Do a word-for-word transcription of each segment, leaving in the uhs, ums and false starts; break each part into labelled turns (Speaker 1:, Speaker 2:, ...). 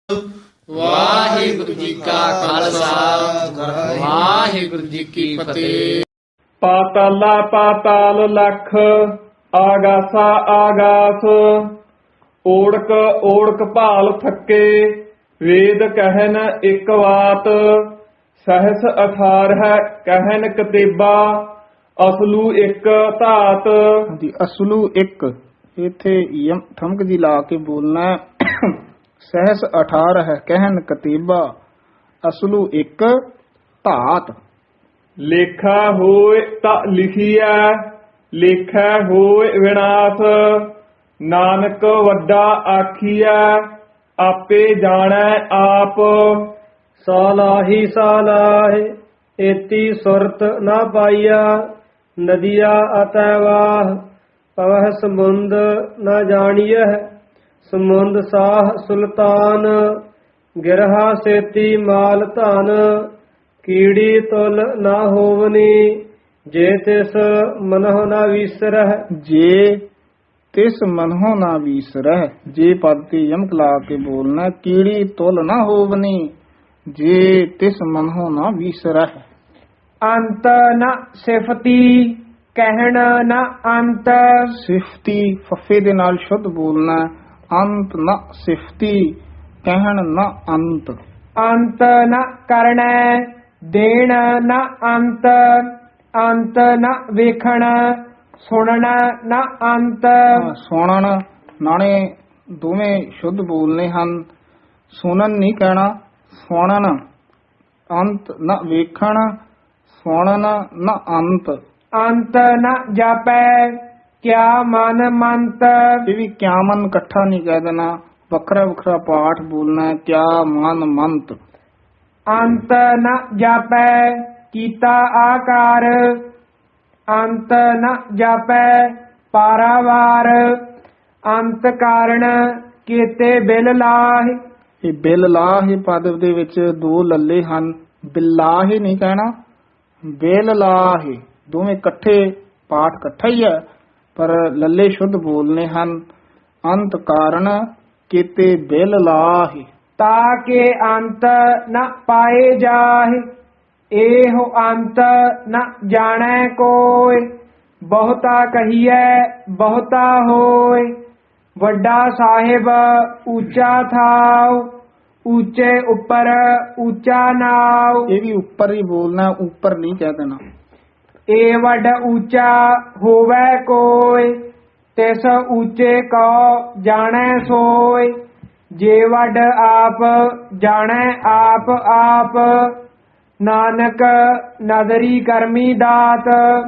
Speaker 1: ਵਾਹਿਗੁਰੂ ਜੀ ਕਾ ਖਾਲਸਾ ਵਾਹਿਗੁਰੂ ਜੀ ਕੀ ਫਤਿਹ।
Speaker 2: ਪਾਤਾਲਾ ਪਾਤਾਲ ਲਖ, ਆਗਾਸਾ ਆਗਾਸ, ਓੜਕ ਓੜਕ ਭਾਲ ਥੱਕੇ, ਵੇਦ ਕਹਿਨ ਇੱਕ ਵਾਤ, ਸਹਸ ਅਠਾਰਹ ਕਹਿਨ ਕਤੇਬਾ, ਅਸਲੂ ਇੱਕ ਧਾਤ।
Speaker 3: ਜੀ ਅਸਲੂ ਇੱਕ, ਇੱਥੇ ਯਮ ਠਮਕ ਜੀ ਲਾ ਕੇ ਬੋਲਣਾ ਹੈ। ਸਹਸ ਅਠਾਰਹ ਹੈ ਕਹਿਨ ਕਤੀਬਾ, ਅਸਲੂ ਇੱਕ ਧਾਤ।
Speaker 2: ਲੇਖਾ ਹੋਏ ਤਾਂ ਲਿਖੀਐ, ਲੇਖਾ ਹੋਏ ਵਿਨਾਸ਼, ਨਾਨਕ ਵੱਡਾ ਆਖੀਐ, ਆਪੇ ਜਾਣੈ ਆਪ।
Speaker 4: ਸਾਲਾਹੀ ਸਾਲਾਹਿ ਏਤੀ ਸੁਰਤ ਨਾ ਪਾਈਆ, ਨਦੀਆ ਅਤੈ ਵਾਹ ਪਵਹ ਸਮੁੰਦ ਨਾ ਜਾਣੀਐ, ਸਮੁੰਦ ਸਾਹ ਸੁਲਤਾਨ, ਗਿਰਹਾ ਸੇਤੀ ਮਾਲ ਧਨ, ਕੀੜੀ ਤੁਲ ਨਾ ਹੋਵਨੀ, ਜੇ ਤਿਸ ਮਨਹੁ ਨਾ ਵਿਸਰਹਿ।
Speaker 3: ਜੇ ਤਿਸ ਮਨਹੁ ਨਾ ਵੀਸਰਹਿ, ਜੇ ਪਦ ਤੇ ਯਮਕ ਲਾ ਕੇ ਬੋਲਣਾ। ਕੀੜੀ ਤੁਲ ਨਾ ਹੋਵਨੀ, ਜੇ ਤਿਸ ਮਨਹੁ ਨਾ ਵੀਸਰਹਿ।
Speaker 4: ਅੰਤ ਨ ਸਿਫਤੀ ਕਹਿਣ ਨ ਅੰਤ,
Speaker 3: ਸਿਫਤੀ ਫੱਫੇ ਦੇ ਨਾਲ ਸ਼ੁੱਧ ਬੋਲਣਾ। ਅੰਤ ਨ ਸਿਫਤੀ ਕਹਿਣ ਨ ਅੰਤ।
Speaker 4: ਅੰਤ ਨ ਕਰਣੈ ਦੇਣ ਨ ਅੰਤ, ਅੰਤ ਨ ਵੇਖਣ ਸੁਣਨ ਨ ਅੰਤ।
Speaker 3: ਹਾਂ, ਸੁਣਨ ਨਾਲੇ ਦੋਵੇਂ ਸ਼ੁੱਧ ਬੋਲਨੇ ਹਨ। ਸੁਣਨ ਨਹੀਂ ਕਹਿਣਾ, ਸੁਣਨ। ਅੰਤ ਨ ਵੇਖਣ, ਸੁਣਨ ਨ ਅੰਤ।
Speaker 4: ਅੰਤ ਨ ਜਾਪੈ ਕਿਆ ਮਨ ਮੰਤ,
Speaker 3: ਇਹ ਵੀ ਕਿਆ ਮਨ ਇਕੱਠਾ ਨਹੀਂ ਕਹਿ ਦੇਣਾ, ਵੱਖਰਾ ਵੱਖਰਾ ਪਾਠ ਬੋਲਣਾ ਹੈ। ਕਿਆ ਮਨ ਮੰਤ।
Speaker 4: ਅੰਤ ਨ ਜਾਪੈ ਕੀਤਾ ਆਕਾਰ, ਅੰਤ ਨ ਜਾਪੈ ਪਾਰਾਵਾਰ, ਅੰਤ ਕਾਰਣ ਕੀਤੇ ਬਿਲ ਲਾਹਿ।
Speaker 3: ਇਹ ਬਿਲ ਲਾਹੇ ਪਦ ਦੇ ਵਿੱਚ ਦੋ ਲੱਲੇ ਹਨ। ਬਿਲਾਹੇ ਨਹੀਂ ਕਹਿਣਾ, ਬਿਲ ਲਾਹੇ। ਦੋਵੇਂ ਇਕੱਠੇ ਪਾਠ ਇਕੱਠਾ ਹੀ ਹੈ, ਪਰ ਲੱਲੇ ਸ਼ੁੱਧ ਬੋਲਨੇ ਹਨ। ਅੰਤ ਕਾਰਨ ਕੀਤੇ ਬਿਲ ਲਾਹੇ।
Speaker 4: ਤਾਕੇ ਅੰਤ ਨ ਪਾਏ ਜਾਹਿ, ਇਹੋ ਅੰਤ ਨ ਜਾਣੈ ਕੋਇ, ਬਹੁਤਾ ਕਹੀਐ ਬਹੁਤਾ ਹੋਇ, ਵੱਡਾ ਸਾਹਿਬ ਉੱਚਾ ਥਾਉ, ਉੱਚੇ ਉੱਪਰ ਉੱਚਾ ਨਾਉ।
Speaker 3: ਇਹ ਵੀ ਉੱਪਰ ਹੀ ਬੋਲਣਾ, ਉੱਪਰ ਨਹੀਂ ਕਹਿ ਦੇਣਾ।
Speaker 4: ਏ ਵੱਡ ਉੱਚਾ ਹੋਵੈ ਕੋਇ, ਤਿਸ ਉੱਚੇ ਕੋ ਜਾਣੈ ਸੋਇ, ਜੇ ਵੱਡ ਆਪ ਜਾਣੈ ਆਪ ਆਪ, ਨਾਨਕ ਨਦਰੀ ਕਰਮੀ ਦਾਤ।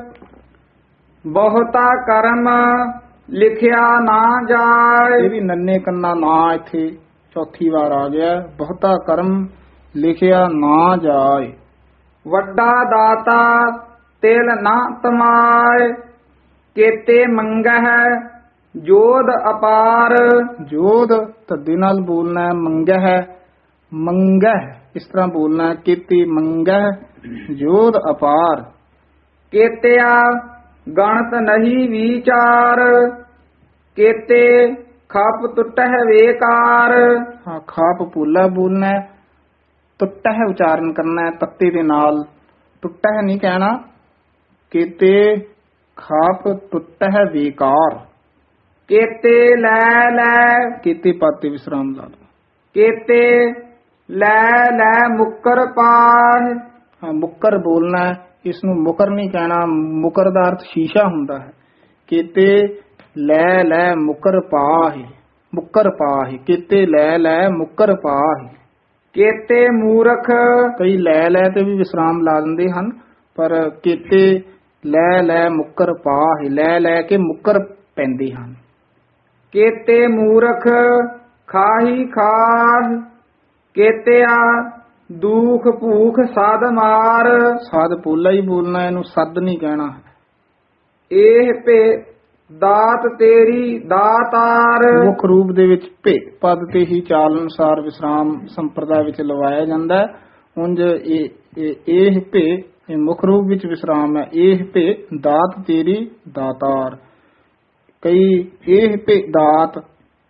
Speaker 3: ਬਹੁਤਾ ਕਰਮ ਲਿਖਿਆ ਨਾ ਜਾਏ। ਇਹ ਵੀ ਨੰਨੇ ਕੰਨਾ ਨਾ ਇੱਥੇ ਚੌਥੀ ਵਾਰ ਆ ਗਿਆ। ਬਹੁਤਾ ਕਰਮ ਲਿਖਿਆ ਨਾ ਜਾਏ। ਵੱਡਾ ਦਾਤਾ ਤਿਲ ਨਾ ਤਮਾਏ, ਕੇਤੇ ਮੰਗਹਿ ਜੋਧ ਅਪਾਰ। ਜੋਧ ਧੱਦੇ ਨਾਲ ਬੋਲਣਾ ਹੈ, ਮੰਗਹਿ ਮੰਗਹਿ ਇਸ ਤਰ੍ਹਾਂ ਬੋਲਣਾ ਹੈ। ਕੇਤੇ ਮੰਗਹਿ ਜੋਧ ਅਪਾਰ। ਕੇਤਿਆ ਗਣਤ ਨਹੀਂ ਵਿਚਾਰ, ਕੇਤੇ ਖਪ ਟੁੱਟਹਿ ਵੇਕਾਰ। ਹਾਂ, ਖਾਪ ਪੂਲਾ ਬੋਲਣਾ ਹੈ, ਟੁੱਟਹਿ ਉਚਾਰਨ ਕਰਨਾ ਹੈ ਤੱਤੇ ਦੇ ਨਾਲ। ਟੁੱਟਹਿ ਨਹੀਂ ਕਹਿਣਾ। ਕੇਤੇ ਖਾਪ ਟੁੱਟਹਿ ਵੇਕਾਰ। ਕੇਤੇ ਲੈ ਲੈ, ਕੇਤੇ ਪਾਤੇ ਵਿਸਰਾਮ ਲਾ ਦੋ। ਕੇਤੇ ਲੈ ਲੈ ਮੁੱਕਰ ਪਾਹ। ਹਾਂ, ਮੁੱਕਰ ਬੋਲਣਾ ਹੈ, ਇਸ ਨੂੰ ਮੁਕਰ ਨਹੀਂ ਕਹਿਣਾ। ਮੁਕਰ ਦਾ ਅਰਥ ਸ਼ੀਸ਼ਾ ਹੁੰਦਾ ਹੈ। ਕੇਤੇ ਲੈ ਲੈ ਮੁਕਰ ਪਾਹੀ, ਮੁਕਰ ਪਾਹੀ। ਕੇਤੇ ਲੈ ਲੈ ਮੁਕਰ ਪਾਹੀ। ਕੇਤੇ ਮੂਰਖ, ਕਈ ਲੈ ਲੈ ਤੇ ਵੀ ਵਿਸਰਾਮ ਲਾ ਦਿੰਦੇ ਹਨ, ਪਰ ਕੇਤੇ ਲੈ ਲੈ ਮੁਕਰ ਪਾਹੀ, ਲੈ ਲੈ ਕੇ ਮੁਕਰ ਪੈਂਦੇ ਹਨ। ਕੇਤੇ ਮੂਰਖ ਖਾਹੀ ਖਾਹ, ਕੇਤਿਆ ਦੁਖ ਭੂਖ ਸਦ ਮਾਰ। ਸਦ ਪੋਲਾ ਹੀ ਬੋਲਣਾ, ਇਹਨੂੰ ਸਦ ਨਹੀਂ ਕਹਿਣਾ। ਇਹ ਭੇ ਦਾਤ ਤੇਰੀ ਦਾਤਾਰ। ਮੁੱਖ ਰੂਪ ਦੇ ਵਿੱਚ ਭੇ ਪਦ ਤੇ ਹੀ ਚਾਲ ਅਨੁਸਾਰ ਵਿਸਰਾਮ ਸੰਪਰਦਾ ਵਿੱਚ ਲਵਾਇਆ ਜਾਂਦਾ ਹੈ। ਉਂਝ ਇਹ ਇਹ ਭੇ ਇਹ ਮੁੱਖ ਰੂਪ ਵਿੱਚ ਵਿਸਰਾਮ ਹੈ। ਇਹ ਭੇ ਦਾਤ ਤੇਰੀ ਦਾਤਾਰ। ਕਈ ਇਹ ਭੇ ਦਾਤ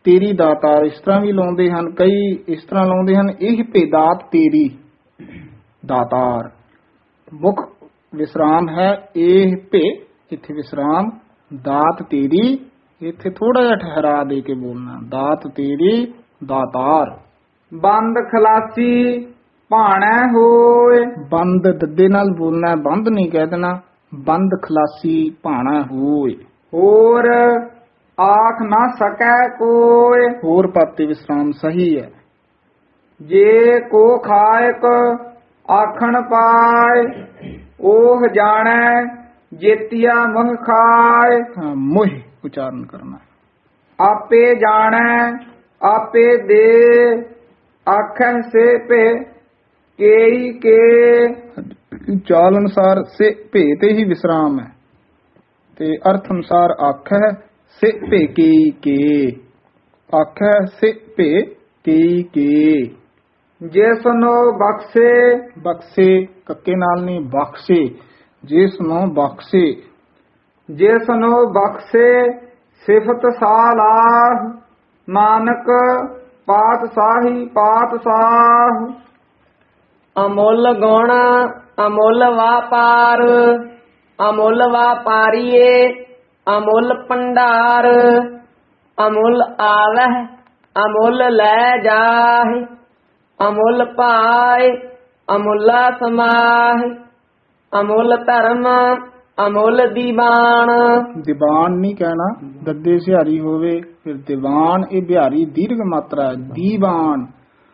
Speaker 3: ਤੇਰੀ ਦਾਤਾਰ, ਇਸ ਤਰ੍ਹਾਂ ਵੀ ਲਾਉਂਦੇ ਹਨ, ਕਈ ਇਸ ਤਰ੍ਹਾਂ ਲਾਉਂਦੇ ਹਨ, ਇਹ ਭੇ ਦਾਤ ਤੇਰੀ ਦਾਤਾਰ। ਮੁੱਖ ਵਿਸਰਾਮ ਹੈ ਇਹ ਭੇ, ਇੱਥੇ ਵਿਸਰਾਮ, ਦਾਤ ਤੇਰੀ, ਇੱਥੇ ਥੋੜਾ ਜਿਹਾ ਠਹਿਰਾ ਦੇ ਕੇ ਬੋਲਣਾ, ਦਾਤ ਤੇਰੀ ਦਾਤਾਰ।
Speaker 4: ਬੰਦ ਖਲਾਸੀ ਭਾਣੈ ਹੋਏ,
Speaker 3: ਬੰਦ ਦੱਦੇ ਨਾਲ ਬੋਲਣਾ ਹੈ, ਬੰਦ ਨਹੀਂ ਕਹਿ ਦੇਣਾ, ਬੰਦ ਖਲਾਸੀ ਭਾਣਾ ਹੋਏ।
Speaker 4: ਹੋਰ ਆਖ ਨਾ ਸਕੈ ਕੋਇ,
Speaker 3: ਹੋਰ ਪਾਤੇ ਵਿਸਰਾਮ ਸਹੀ ਹੈ।
Speaker 4: ਜੇ ਕੋ ਖਾਇਕ ਆਖਣ ਪਾਏ, ਉਹ ਜਾਣੈ ਜੇਤੀਆ ਮਹ ਖਾਏ।
Speaker 3: ਹਾਂ, ਮੋਹ ਉਚਾਰਨ ਕਰਨਾ।
Speaker 4: ਆਪੇ ਜਾਣੈ ਆਪੇ ਦੇ, ਆਖੈ ਸੇ ਭੇ ਕੇਈ ਕੇ।
Speaker 3: ਚਾਲ ਅਨੁਸਾਰ ਸੇ ਭੇ ਤੇ ਹੀ ਵਿਸਰਾਮ ਹੈ, ਤੇ ਅਰਥ ਅਨੁਸਾਰ ਆਖੈ ਸੇ ਭੇ ਕੇਈ ਕੇ, ਆਖੈ ਸੇ ਭੇ ਕੇਈ ਕੇ।
Speaker 4: ਜਿਸ ਨੂੰ ਬਖਸ਼ੇ,
Speaker 3: ਬਖਸ਼ੇ ਕੱਕੇ ਨਾਲ ਨਹੀਂ, ਬਖਸ਼ੇ, ਜਿਸ ਨੂੰ ਬਖਸ਼ੇ।
Speaker 4: ਜਿਸ ਨੂੰ ਬਖਸ਼ੇ ਸਿਫਤ ਸਾਲਾਹ, ਨਾਨਕ ਪਾਤਸ਼ਾਹੀ ਪਾਤਸ਼ਾਹ।
Speaker 1: ਅਮੁੱਲ ਗੁਣ ਅਮੁੱਲ ਵਾਪਾਰ, ਅਮੁੱਲ ਵਾਪਾਰੀਏ ਅਮੁੱਲ ਭੰਡਾਰ। ਅਮੁੱਲ ਆਵਹਿ ਅਮੁੱਲ ਲੈ ਜਾਹਿ, ਅਮੁੱਲ ਪਾਏ ਅਮੁੱਲਾ ਸਮਾਹਿ। ਅਮੁੱਲ ਧਰਮ ਅਮੁੱਲ ਦੀਵਾਨ।
Speaker 3: ਦੀਵਾਨ ਨਹੀਂ ਕਹਿਣਾ, ਦੱਦੇ ਸਿਹਾਰੀ ਹੋਵੇ ਫਿਰ ਦੀਵਾਨ, ਇਹ ਬਿਹਾਰੀ ਦੀਰਘ ਮਾਤਰਾ ਹੈ, ਦੀਵਾਨ।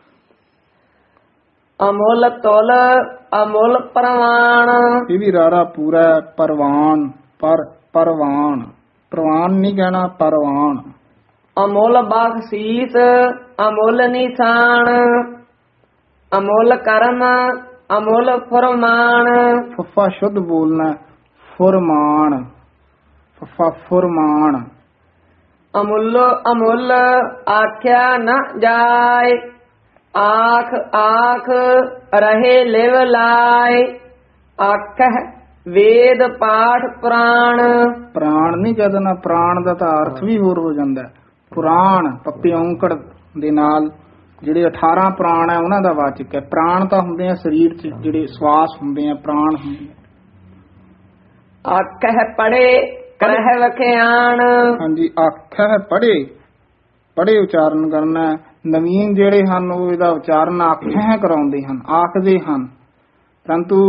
Speaker 1: ਅਮੁੱਲ ਤੁਲ ਅਮੁੱਲ ਪ੍ਰਵਾਨ,
Speaker 3: ਇਹ ਵੀ ਰਾਰਾ ਪੂਰਾ ਹੈ, ਪਰਵਾਨ, ਪਰ ਪਰਵਾਨ, ਪ੍ਰਵਾਨ ਨਹੀਂ ਕਹਿਣਾ, ਪਰਵਾਨ।
Speaker 1: ਅਮੁੱਲ ਬਖਸ਼ੀਸ ਅਮੁੱਲ ਨਿਸ਼ਾਨ, ਅਮੁੱਲ ਕਰਮ ਅਮੁੱਲ ਫਰਮਾਨ।
Speaker 3: ਫੱਫਾ ਸ਼ੁੱਧ ਬੋਲਣਾ, ਫੁਰਮਾਨ, ਫੱਫਾ ਫੁਰਮਾਨ।
Speaker 1: ਅਮੁੱਲ ਅਮੁੱਲ ਆਖਿਆ ਨ ਜਾਏ, ਆਖ ਆਖ ਰਹੇ ਲਿਵ ਲਾਏ। ਆਖਹਿ ਵੇਦ ਪਾਠ ਪੁਰਾਣ,
Speaker 3: ਪ੍ਰਾਣ ਨਹੀਂ ਕਹਿਣਾ, ਪ੍ਰਾਣ ਦਾ ਤਾਂ ਅਰਥ ਵੀ ਹੋਰ ਹੋ ਜਾਂਦਾ ਹੈ। ਪੁਰਾਣ ਪੱਪੇ ਔਂਕੜ ਦੇ ਨਾਲ ਜਿਹੜੇ ਅਠਾਰਾਂ ਪ੍ਰਾਣ ਹੈ ਉਹਨਾਂ ਦਾ ਵਾਚਕ ਹੈ। ਪ੍ਰਾਣ ਤਾਂ ਹੁੰਦੇ ਆ ਸਰੀਰ 'ਚ ਜਿਹੜੇ ਸਵਾਸ ਹੁੰਦੇ ਆ, ਪ੍ਰਾਣ ਹੁੰਦੇ ਆ।
Speaker 1: ਆਖਹਿ ਪੜੇ ਕਰਹਿ ਵਖਿਆਣ,
Speaker 3: ਹਾਂਜੀ, ਆਖਹਿ ਪੜੇ, ਪੜੇ ਉਚਾਰਨ ਕਰਨਾ। ਨਵੀਨ ਜਿਹੜੇ ਹਨ ਉਹ ਇਹਦਾ ਉਚਾਰਨ ਆਖਹਿ ਕਰਾਉਂਦੇ ਹਨ, ਆਖਦੇ ਹਨ, ਪਰੰਤੂ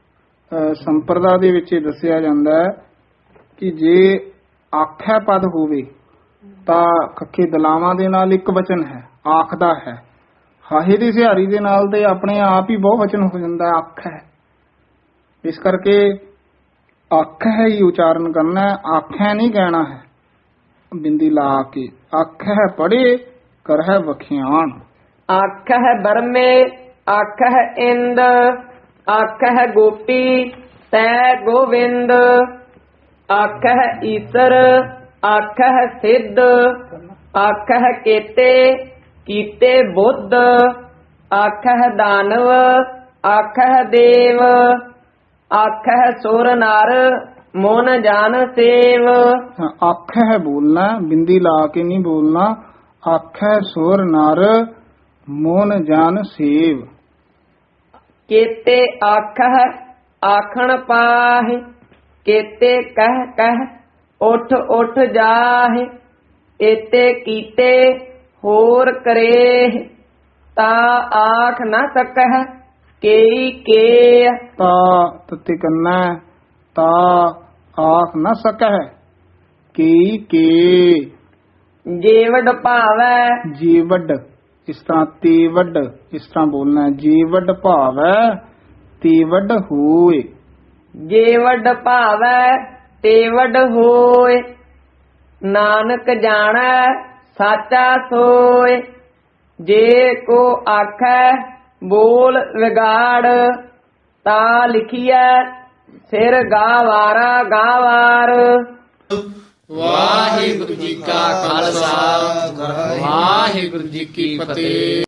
Speaker 3: ਸੰਪਰਦਾ ਦੇ ਵਿੱਚ ਇਹ ਦੱਸਿਆ ਜਾਂਦਾ ਹੈ ਕਿ ਜੇ ਆਖੈ ਪਦ ਹੋਵੇ ਤਾਂ ਖੱਖੇ ਦਲਾਵਾਂ ਦੇ ਨਾਲ ਇੱਕ ਵਚਨ ਹੈ, ਆਖਦਾ ਹੈ। ਹਾਹੇ ਦੀ ਸਿਹਾਰੀ ਦੇ ਨਾਲ ਤੇ ਆਪਣੇ ਆਪ ਹੀ ਬਹੁ ਵਚਨ ਹੋ ਜਾਂਦਾ, ਆਖੈ। ਇਸ ਕਰਕੇ ਆਖੈ ਹੀ ਉਚਾਰਨ ਕਰਨਾ, ਆਖੈ ਨਹੀਂ ਕਹਿਣਾ ਹੈ ਬਿੰਦੀ ਲਾ ਕੇ। ਆਖੈ ਪੜੇ ਕਰਹਿ ਵਖਿਆਣ।
Speaker 1: ਆਖਹਿ ਬਰਮੇ ਆਖਹਿ ਇੰਦ, ਆਖਹਿ ਗੋਪੀ ਤੈ ਗੋਵਿੰਦ। ਆਖਹਿ ਈਸਰ ਆਖਹਿ ਸਿੱਧ, ਆਖਹਿ ਕੇਤੇ ਕੀਤੇ ਬੁੱਧ। ਆਖਹਿ ਦਾਨਵ ਆਖਹਿ ਦੇਵ, ਆਖਹਿ ਸੁਰ ਨਰ ਮੋਨ ਜਾਨ ਸੇਵ।
Speaker 3: ਆਖਹਿ ਬੋਲਣਾ, ਬਿੰਦੀ ਲਾ ਕੇ ਨਹੀਂ ਬੋਲਣਾ। ਆਖਹਿ ਸੁਰ ਨਰ ਮੋਨ ਜਾਨ ਸੇਵ।
Speaker 1: ਕੇਤੇ ਆਖਹਿ ਆਖਣ ਪਾਹਿ, ਕੇਤੇ ਕਹਿ ਕਹਿ ਉਠ ਉਠ ਜਾਹਿ। ਏਤੇ ਕੀਤੇ ਹੋਰ ਕਰੇ, ਤਾ ਆਖ ਨ ਸਕਹਿ ਕੇਈ ਕੇ।
Speaker 3: ਤਾ ਤਤੇ ਕੰਨਾ, ਤਾ ਆਖ ਨ ਸਕਹਿ ਕੇਈ ਕੇ।
Speaker 1: ਜੇਵਡ ਭਾਵੈ
Speaker 3: ਜੀਵਡ, ਇਸ ਤਰ੍ਹਾਂ ਤੇਵਡ, ਇਸ ਤਰ੍ਹਾਂ ਬੋਲਣਾ। ਜੀਵਡ ਭਾਵੈ ਤੇਵਡ ਹੋਏ।
Speaker 1: ਜੇਵਡ ਭਾਵੈ ਤੇਵਡ ਹੋਏ, ਨਾਨਕ ਜਾਣੈ ਸਾਚਾ ਸੋਏ। ਜੇ ਕੋ ਆਖੈ ਬੋਲ ਵਿਗਾੜ, ਤਾ ਲਿਖੀਐ ਸਿਰ ਗਾਵਾਰਾ ਗਾਵਾਰ।
Speaker 5: ਵਾਹਿਗੁਰੂ ਜੀ ਕਾ ਖਾਲਸਾ ਵਾਹਿਗੁਰੂ ਜੀ ਕੀ ਫਤਿਹ।